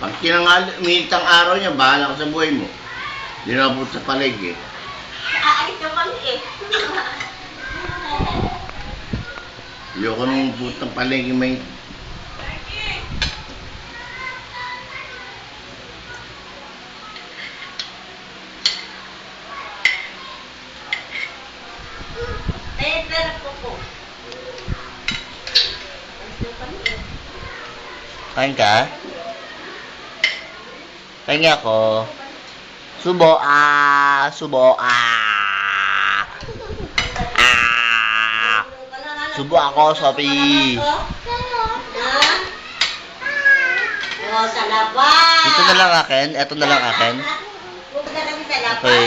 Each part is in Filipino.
Pag minit ang araw niya, bahala ka sa buhay mo. Hindi na po sa paligid. Aalis na kami eh. Ayoko nung putang paligid may... Pero po. Aalis na kami eh. Kain ka? Kain nga ako. Subo, subo, Subo ako, Sophie. Oh, sa labas. Dito na lang akin, eto na lang akin. Pupunta kami sa labas. Okay.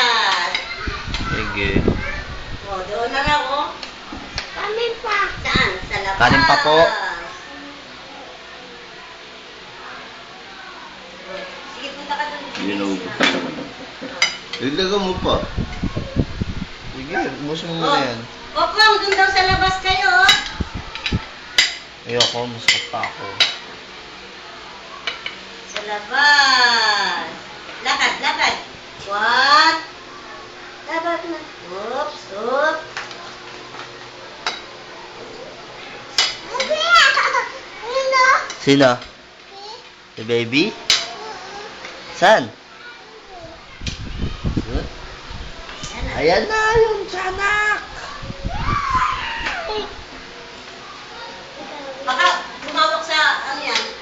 Sige. Oh, doon na lang, oh. Kanin pa. Saan? Sa labas. Kanin pa po. Sige, punta ka doon. Hindi na ubus. Dagdagan mo pa. Sige, ubos mo muna yan. Popong, doon daw sa labas kayo, oh. Ayoko, masakit pa ako. Sa labas. Lakad, lakad. What? Lakad na. Oops, oops. Sino? Si baby? Saan? Ayan na yung tiyanak! Baka tumawag sa, ano yan,